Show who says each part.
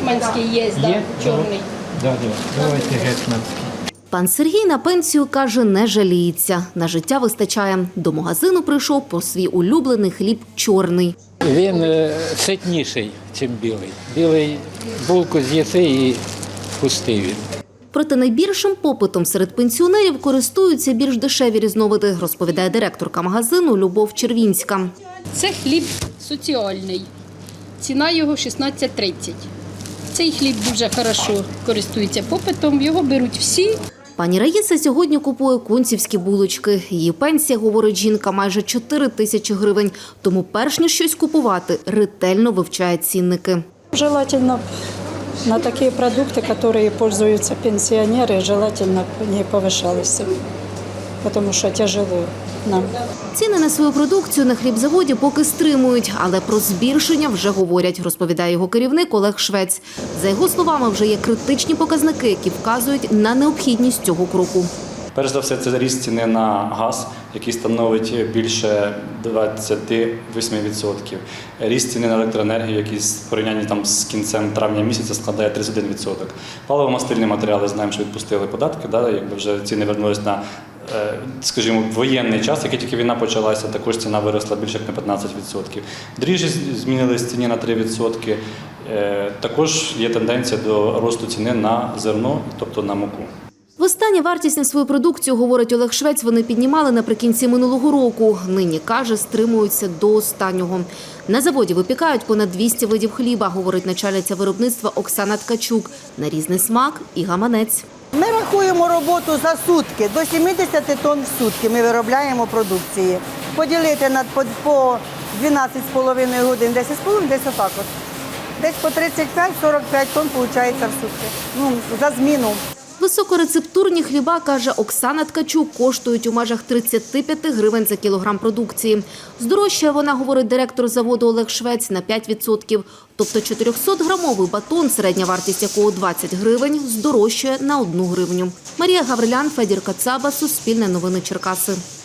Speaker 1: гетьманський є, да, чорний.
Speaker 2: Да, давайте гетьманський.
Speaker 3: Пан Сергій на пенсію, каже, не жаліється. На життя вистачає. До магазину прийшов по свій улюблений хліб чорний.
Speaker 2: Він ситніший, ніж білий. Білий булку з'їси і пустий він.
Speaker 3: Проте найбільшим попитом серед пенсіонерів користуються більш дешеві різновиди, розповідає директорка магазину Любов Червінська.
Speaker 1: Це хліб соціальний. Ціна його 16,30. Цей хліб дуже хорошо користується попитом, його беруть всі.
Speaker 3: Пані Раїса сьогодні купує кунцівські булочки. Її пенсія, говорить жінка, майже 4 тисячі гривень. Тому перш ніж щось купувати, ретельно вивчає цінники.
Speaker 4: Желательно на такие продукты, которые пользуются пенсионеры, желательно не повышалось, потому что тяжело нам.
Speaker 3: Ціни на свою продукцію на хлібзаводі поки стримують, але про збільшення вже говорять, розповідає його керівник Олег Швець. За його словами, вже є критичні показники, які вказують на необхідність цього кроку.
Speaker 5: Перш за все, це ріст ціни на газ, який становить більше 28%. Ріст ціни на електроенергію, який в порівнянні з кінцем травня місяця складає 31%. Паливо-мастильні матеріали, знаємо, що відпустили податки, якби вже ціни вернулись на, скажімо, воєнний час, який тільки війна почалася, також ціна виросла більше як на 15%. Дріжджі змінились в ціні на 3%. Також є тенденція до росту ціни на зерно, тобто на муку.
Speaker 3: Востаннє вартість на свою продукцію, говорить Олег Швець, вони піднімали наприкінці минулого року. Нині, каже, стримуються до останнього. На заводі випікають понад 200 видів хліба, говорить начальниця виробництва Оксана Ткачук. На різний смак і гаманець.
Speaker 6: Ми рахуємо роботу за сутки. До 70 тонн в сутки ми виробляємо продукції. Поділити по 12,5 годин, 10,5, десь отак от. Десь по 35-45 тонн виходить в сутки. За зміну.
Speaker 3: Високорецептурні хліба, каже Оксана Ткачук, коштують у межах 35 гривень за кілограм продукції. Здорожчає вона, говорить директор заводу Олег Швець, на 5%. Тобто 400-грамовий батон, середня вартість якого 20 гривень, здорожчає на 1 гривню. Марія Гаврилян, Федір Кацаба, Суспільне новини Черкаси.